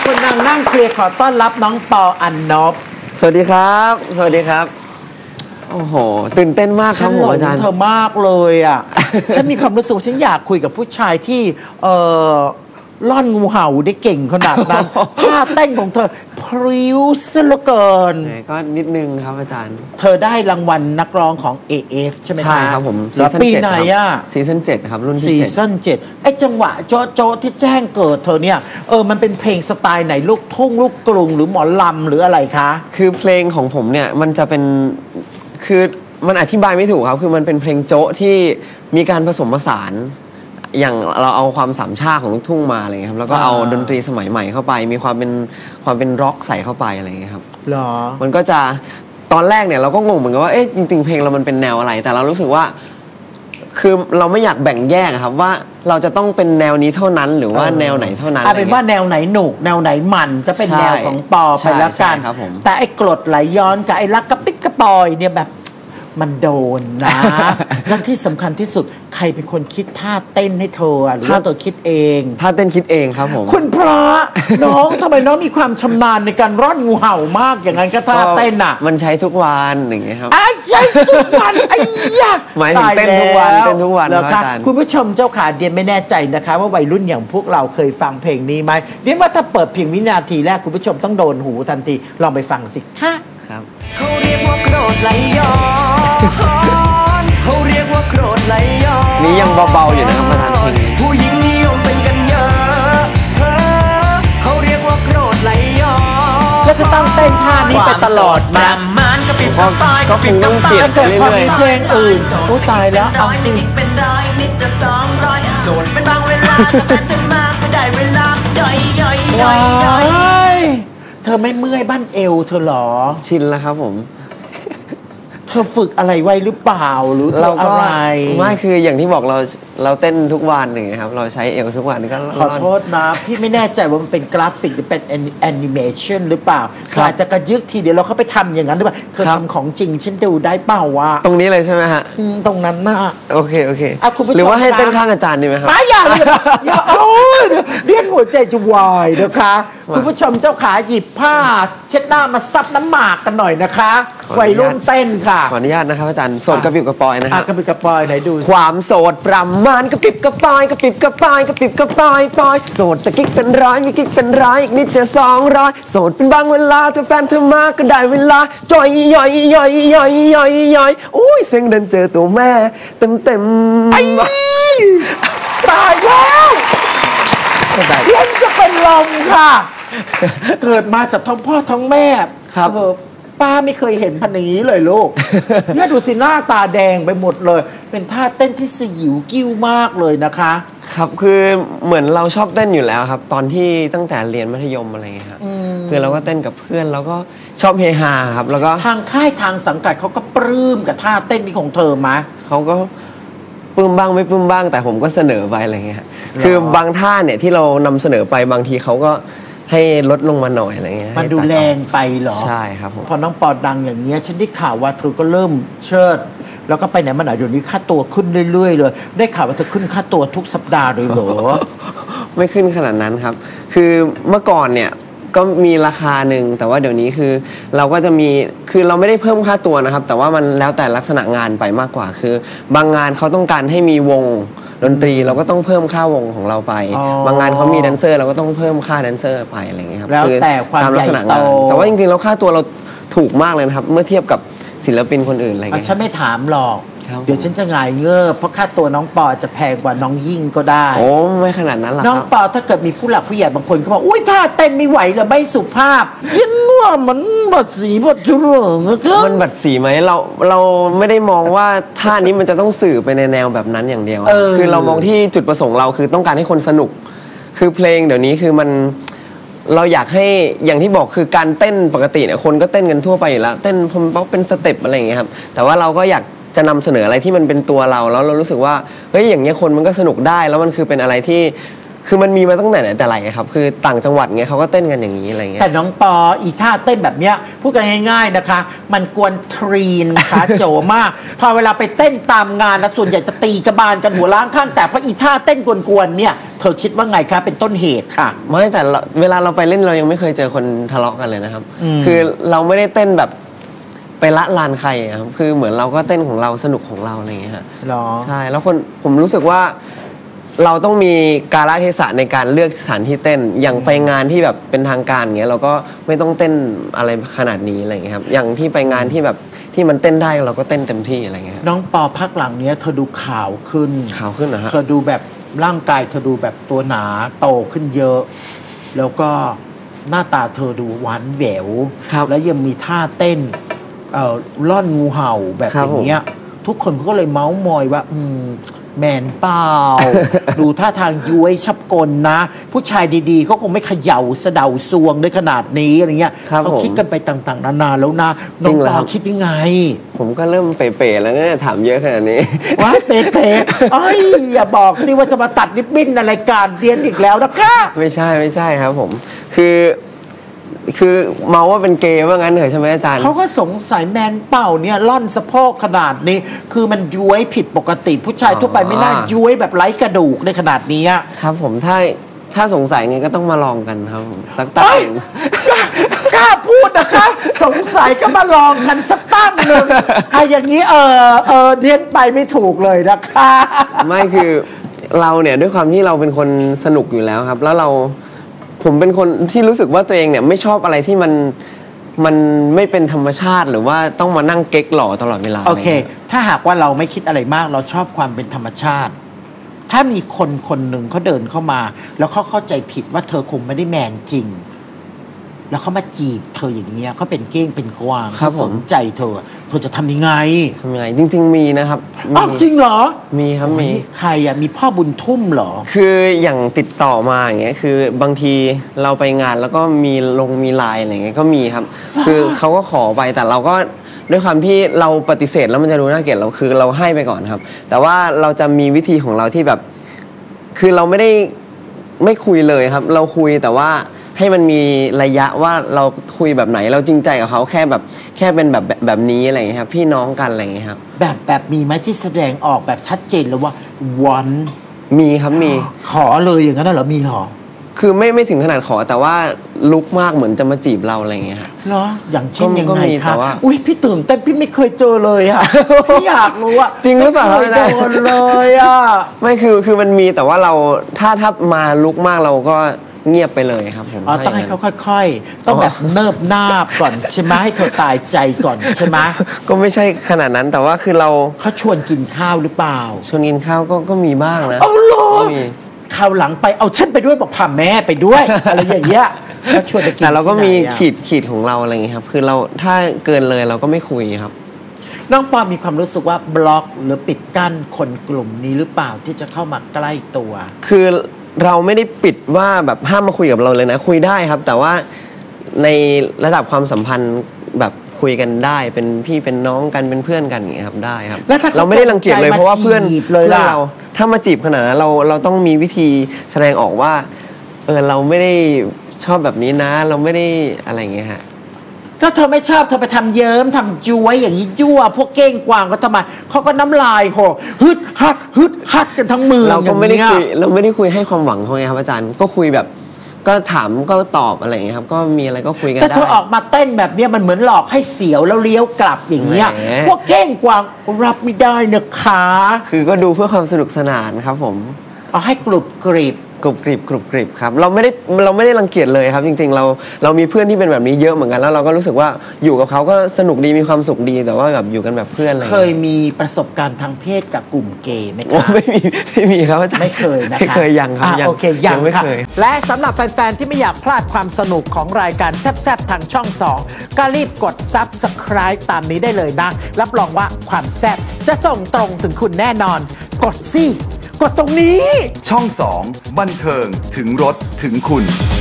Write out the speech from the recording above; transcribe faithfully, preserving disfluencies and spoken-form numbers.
คุณนางนั่งเคลียร์ขอต้อนรับน้องปออันนบสวัสดีครับสวัสดีครับโอ้โหตื่นเต้นมากครับผมอาจารย์เธอมากเลยอ่ะ ฉันมีความรู้สึกฉันอยากคุยกับผู้ชายที่เอ่อล่อนงูเห่าได้เก่งขนาดนั้นท่าเต้นของเธอพริ้วซะเหลือเกินก็นิดนึงครับอาจารย์เธอได้รางวัลนักร้องของ เอ เอฟ ใช่ไหมคะใช่ครับผมแล้วปีไหนอ่ะซีซั่นเจ็ดครับรุ่นที่ซีซั่นเจ็ดไอ้จังหวะโจ๊ะโจ๊ะที่แจ้งเกิดเธอเนี่ยเออมันเป็นเพลงสไตล์ไหนลูกทุ่งลูกกรุงหรือหมอลำหรืออะไรคะคือเพลงของผมเนี่ยมันจะเป็นคือมันอธิบายไม่ถูกครับคือมันเป็นเพลงโจ๊ะที่มีการผสมผสานอย่างเราเอาความสามชาติของลูกทุ่งมาอะไรเงี้ยครับแล้วก็เอาดนตรีสมัยใหม่เข้าไปมีความเป็นความเป็นร็อกใส่เข้าไปอะไรเงี้ยครับหรอมันก็จะตอนแรกเนี่ยเราก็งงเหมือนกันว่าเอ๊ะจริงๆเพลงเรามันเป็นแนวอะไรแต่เรารู้สึกว่าคือเราไม่อยากแบ่งแยกครับว่าเราจะต้องเป็นแนวนี้เท่านั้นหรือว่าแนวไหนเท่านั้นเอาเป็นว่าแนวไหนหนุกแนวไหนมันก็เป็นแนวของปอไปแล้วกันแต่ไอ้กรดไหลย้อนกับไอ้รักกระปิกกระปอยเนี่ยแบบมันโดนนะและที่สำคัญที่สุดใครเป็นคนคิดท่าเต้นให้เธอหรือว่าเธอคิดเองท่าเต้นคิดเองครับผมคุณพระน้องทำไมน้องมีความชำนาญในการร่อนงูเห่ามากอย่างนั้นก็ท่าเต้นอ่ะมันใช้ทุกวันอย่างเงี้ยครับใช้ทุกวันไอ้ยากหมายถึงเต้นทุกวันเต้นทุกวันแล้วค่ะคุณผู้ชมเจ้าขาเดียนไม่แน่ใจนะคะว่าวัยรุ่นอย่างพวกเราเคยฟังเพลงนี้ไหมเดียนว่าถ้าเปิดเพียงวินาทีแรกคุณผู้ชมต้องโดนหูทันทีลองไปฟังสิค่ะครับเขาเรียกว่าโกรธไหลย้อนเขาเรียกว่าโกรธไหลย้อนนี่ยังเบาๆอยู่นะครับประธานเพลงผู้หญิงนิยมเป็นกันเยอะเขาเรียกว่าโกรธไหลย้อนแล้วจะต้องเต้นท่านี้ไปตลอดมามันก็ปิดตายก็คงต้องเปลี่ยนเกิดความมีเพลงอื่นโอ้ตายแล้วเอาสิเป็นร้อยนิดจะสองร้อยโสดเป็นบางเวลาแต่แฟนจะมาก็ได้เวลาย่อยย่อยย่อยย่อยเธอไม่เมื่อยบ้านเอวเธอหรอชินแล้วครับผมเธอฝึกอะไรไว้หรือเปล่าหรือเราอะไรไม่คืออย่างที่บอกเราเราเต้นทุกวันอย่างเงี้ยครับเราใช้เอวทุกวันก็ขอโทษนะพี่ไม่แน่ใจว่ามันเป็นกราฟิกหรือเป็นแอนิเมชันหรือเปล่าอาจจะกระยึกทีเดียวเราเข้าไปทำอย่างนั้นหรือเปล่าเธอทำของจริงฉันดูได้เปล่าวะตรงนี้เลยใช่ไหมฮะตรงนั้นน่ะโอเคโอเคหรือว่าให้เต้นข้างอาจารย์ดีไหมครับไม่อย่าเลยอย่าโอ้ยเรียกหัวใจจะวายนะคะคุณผู้ชมเจ้าขาหยิบผ้าเช็ดหน้ามาซับน้ำหมากกันหน่อยนะคะวัยรุ่นเต้นค่ะขออนุญาตนะครับอาจารย์โสดกระปิบกระปอยนะครับกระปิบกระปอยไหนดูความโสดประมาณกระปิบกระปอยกระปิบกระปอยกระปิบกระปอยปอยโสดแต่กิ๊กเป็นร้อยมีกิ๊กเป็นร้อยอีกนิดจะสองร้อยโสดเป็นบางเวลาถ้าแฟนเธอมาก็ได้เวลาจ่อยย่อยย่อยย่อยย่อยย่อยอุ้ยเสียงเดินเจอตัวแม่เต็มเต็มตายแล้วเล่นจะเป็นลมค่ะเกิดมาจากท้องพ่อท้องแม่ครับป้าไม่เคยเห็นพันนี้เลยลูกเนี่ยดูสิหน้าตาแดงไปหมดเลยเป็นท่าเต้นที่สยิวกิ้วมากเลยนะคะครับคือเหมือนเราชอบเต้นอยู่แล้วครับตอนที่ตั้งแต่เรียนมัธยมอะไรเงี้ยครับคือเราก็เต้นกับเพื่อนแล้วก็ชอบเฮฮาครับแล้วก็ทางค่ายทางสังกัดเขาก็ปลื้มกับท่าเต้นนี้ของเธอมะเขาก็ปลื้มบ้างไม่ปลื้มบ้างแต่ผมก็เสนอไปอะไรเงี้ยคือบางท่าเนี่ยที่เรานำเสนอไปบางทีเขาก็ให้ลดลงมาหน่อยอะไรเงี้ยมันดูแรงไปเหรอใช่ครับผมพอน้องปอดังอย่างเงี้ยฉันได้ข่าวว่าเธอก็เริ่มเชิดแล้วก็ไปไหนมาไหนเดี๋ยวนี้ค่าตัวขึ้นเรื่อยๆเลยได้ข่าวว่าเธอขึ้นค่าตัวทุกสัปดาห์เลยเหรอไม่ขึ้นขนาดนั้นครับคือเมื่อก่อนเนี่ยก็มีราคาหนึ่งแต่ว่าเดี๋ยวนี้คือเราก็จะมีคือเราไม่ได้เพิ่มค่าตัวนะครับแต่ว่ามันแล้วแต่ลักษณะงานไปมากกว่าคือบางงานเขาต้องการให้มีวงดนตรีเราก็ต้องเพิ่มค่าวงของเราไปบางงานเขามีแดนเซอร์เราก็ต้องเพิ่มค่าแดนเซอร์ไปอะไรเงี้ยครับแล้วแต่ความใหญ่โตแต่ว่าจริงๆแล้วค่าตัวเราถูกมากเลยนะครับเมื่อเทียบกับศิลปินคนอื่นอะไรเงี้ยฉันไม่ถามหรอกเดี๋ยวฉันจะหงายเงือบเพราะค่าตัวน้องปอจะแพงกว่าน้องยิ่งก็ได้โอ้ไม่ขนาดนั้นหรอกน้องปอถ้าเกิดมีผู้หลักผู้ใหญ่บางคนก็บอกอุ้ยท่าเต้นไม่ไหวเลยไม่สุภาพยิ่งว่ามันบัดสีบัดจุเหลืองมันบัดสีไหมเราเราไม่ได้มองว่าท่านี้มันจะต้องสื่อไปในแนวแบบนั้นอย่างเดียวคือเรามองที่จุดประสงค์เราคือต้องการให้คนสนุกคือเพลงเดี๋ยวนี้คือมันเราอยากให้อย่างที่บอกคือการเต้นปกติเนี่ยคนก็เต้นกันทั่วไปอยู่แล้วเต้นพอมป๊อกเป็นสเต็ปอะไรอย่างเงี้ยครับแต่ว่าเราก็อยากจะนำเสนออะไรที่มันเป็นตัวเราแล้วเรารู้สึกว่าเฮ้ยอย่างเงี้ยคนมันก็สนุกได้แล้วมันคือเป็นอะไรที่คือมันมีมาตั้งแต่ไหนแต่ไรครับคือต่างจังหวัดเงี้ยเขาก็เต้นกันอย่างนี้อะไรเงี้ยแต่น้องปออีท่าเต้นแบบเนี้ยพูดกันง่ายๆนะคะมันกวนทรีนขาโจมากพอเวลาไปเต้นตามงานนะส่วนใหญ่จะตีกระบาลกันหัวล้างข้างแต่เพราะอีท่าเต้นกวนๆเนี่ยเธอคิดว่าไงคะเป็นต้นเหตุค่ะไม่แต่เวลาเราไปเล่นเรายังไม่เคยเจอคนทะเลาะกันเลยนะครับคือเราไม่ได้เต้นแบบไปละลานใครครับคือเหมือนเราก็เต้นของเราสนุกของเราอะไรอย่างเงี้ยฮะใช่แล้วคนผมรู้สึกว่าเราต้องมีกาลเทศะในการเลือกสถานที่เต้นอย่างไปงานที่แบบเป็นทางการเงี้ยเราก็ไม่ต้องเต้นอะไรขนาดนี้อะไรเงี้ยครับอย่างที่ไปงานที่แบบที่มันเต้นได้เราก็เต้นเต็มที่อะไรเงี้ยน้องปอพักหลังเนี้ยเธอดูขาวขึ้นขาวขึ้นนะฮะเธอดูแบบร่างกายเธอดูแบบตัวหนาโตขึ้นเยอะแล้วก็หน้าตาเธอดูหวานแหววแล้วยังมีท่าเต้นเอ่อล่อนงูเห่าแบบอย่างเงี้ยทุกคนก็เลยเมาส์มอยว่าอืมแมนเปล่า ดูท่าทางย้วยชับกลนะผู้ชายดีๆเขาคงไม่เขย่าสะเดาซวงได้ขนาดนี้อะไรเงี้ยเขาคิดกันไปต่างๆนานาแล้วนะน้องปอคิดยังไงผมก็เริ่มเป๋ๆแล้วเนี่ยถามเยอะขนาดนี้ว้าเป๋ๆเอ้ยอย่าบอกสิว่าจะมาตัดริบบิ้นในรายการเรียนอีกแล้วนะคะไม่ใช่ไม่ใช่ครับผมคือคือเมาว่าเป็นเกย์ว่างั้นเหรอใช่ไหมอาจารย์เขาก็สงสัยแมนเป่าเนี่ยล่อนสะโพกขนาดนี้คือมันย้วยผิดปกติผู้ชายทั่วไปไม่น่าย้วยแบบไร้กระดูกในขนาดนี้ครับผมถ้าถ้าสงสัยไงก็ต้องมาลองกันครับสักตั้งกล้าพูดนะคะสงสัยก็มาลองกันสักตั้งหนึ่งไอ้อย่างนี้เออเออเรียนไปไม่ถูกเลยนะคะไม่คือเราเนี่ยด้วยความที่เราเป็นคนสนุกอยู่แล้วครับแล้วเราผมเป็นคนที่รู้สึกว่าตัวเองเนี่ยไม่ชอบอะไรที่มันมันไม่เป็นธรรมชาติหรือว่าต้องมานั่งเก๊กหล่อตลอดเวลาโอเคถ้าหากว่าเราไม่คิดอะไรมากเราชอบความเป็นธรรมชาติถ้ามีคนคนหนึ่งเขาเดินเข้ามาแล้วเขาเข้าใจผิดว่าเธอคงไม่ได้แมนจริงแล้วเขามาจีบเธออย่างเงี้ยเขาเป็นเก้งเป็นกวางเขาสนใจเธอเธอจะทำยังไงทำยังไงจริงๆมีนะครับอ้าวจริงเหรอมีครับมีใครอ่ะมีพ่อบุญทุ่มเหรอคืออย่างติดต่อมาอย่างเงี้ยคือบางทีเราไปงานแล้วก็มีลงมีไลน์อะไรเงี้ยก็มีครับคือเขาก็ขอไปแต่เราก็ด้วยความที่เราปฏิเสธแล้วมันจะดูน่าเกลียดเราคือเราให้ไปก่อนครับแต่ว่าเราจะมีวิธีของเราที่แบบคือเราไม่ได้ไม่คุยเลยครับเราคุยแต่ว่าให้มันมีระยะว่าเราคุยแบบไหนเราจริงใจกับเขาแค่แบบแค่เป็นแบบแบบนี้อะไรอย่างเงี้ยครับพี่น้องกันอะไรอย่างเงี้ยครับแบบแบบมีไหมที่แสดงออกแบบชัดเจนเลยว่าวันมีครับมีขอเลยอย่างนั้นเหรอมีหรอคือไม่ไม่ถึงขนาดขอแต่ว่าลุกมากเหมือนจะมาจีบเราอะไรอย่างเงี้ยครับเหรออย่างเช่นยังไงคะอุ้ยพี่ตื่นเต้นพี่ไม่เคยเจอเลยอ่ะพี่อยากรู้ว่าจริงหรือเปล่าไม่โดนเลยอ่ะไม่คือคือมันมีแต่ว่าเราถ้าถ้ามาลุกมากเราก็เงียบไปเลยครับผมอ๋อต้องให้เขาค่อยๆต้องแบบเนิบนาบก่อนใช่ไหมให้เธอตายใจก่อนใช่ไหมก็ไม่ใช่ขนาดนั้นแต่ว่าคือเราเขาชวนกินข้าวหรือเปล่าชวนกินข้าวก็ก็มีบ้างนะเอาหรอคราวหลังไปเอาฉันไปด้วยบอกพาแม่ไปด้วยอะไรอย่างเงี้ยเขาชวนไปกินแต่เราก็มีขีดขีดของเราอะไรอย่างเงี้ยครับคือเราถ้าเกินเลยเราก็ไม่คุยครับน้องปอมีความรู้สึกว่าบล็อกหรือปิดกั้นคนกลุ่มนี้หรือเปล่าที่จะเข้ามาใกล้ตัวคือเราไม่ได้ปิดว่าแบบห้ามมาคุยกับเราเลยนะคุยได้ครับแต่ว่าในระดับความสัมพันธ์แบบคุยกันได้เป็นพี่เป็นน้องกันเป็นเพื่อนกันอย่างเงี้ยครับได้ครับเราไม่ได้รังเกียจเลยเพราะว่าเพื่อนเพื่อนเราถ้ามาจีบขนาดนั้นเราเราต้องมีวิธีแสดงออกว่าเออเราไม่ได้ชอบแบบนี้นะเราไม่ได้อะไรอย่างเงี้ยฮะถ้าเธอไม่ชอบเธอไปทำเยิ้มทำจ้วยอย่างนี้ยั่วพวกเก้งกวางก็ทำไมเขาก็น้ำลายโหฮึดฮัดฮึดฮัดกันทั้งมือเราก็ไม่ได้คุยเราไม่ได้คุยให้ความหวังเขาไงครับอาจารย์ก็คุยแบบก็ถามก็ตอบอะไรอย่างเงี้ยครับก็มีอะไรก็คุยกันได้แต่เธอออกมาเต้นแบบนี้มันเหมือนหลอกให้เสียวแล้วเลี้ยวกลับอย่างเงี้ยพวกเก้งกวางรับไม่ได้นะคะคือก็ดูเพื่อความสนุกสนานครับผมเอาให้กรุบกริบกรุบกริบกรุบกริบครับเราไม่ได้เราไม่ได้รังเกียจเลยครับจริงๆเราเรามีเพื่อนที่เป็นแบบนี้เยอะเหมือนกันแล้วเราก็รู้สึกว่าอยู่กับเขาก็สนุกดีมีความสุขดีแต่ว่าแบบอยู่กันแบบเพื่อนอะไรเคยมีประสบการณ์ทางเพศกับกลุ่มเกย์ไหมครับไม่มีไม่มีครับอาจารย์ไม่เคยนะคะไม่เคยยังครับโอเคยังไม่เคยและสำหรับแฟนๆที่ไม่อยากพลาดความสนุกของรายการแซ่บๆทางช่องสองก็รีบกด ซับสไครบ์ ตามนี้ได้เลยนะรับรองว่าความแซ่บจะส่งตรงถึงคุณแน่นอนกดสิกดตรงนี้ช่องสองบันเทิงถึงรถถึงคุณ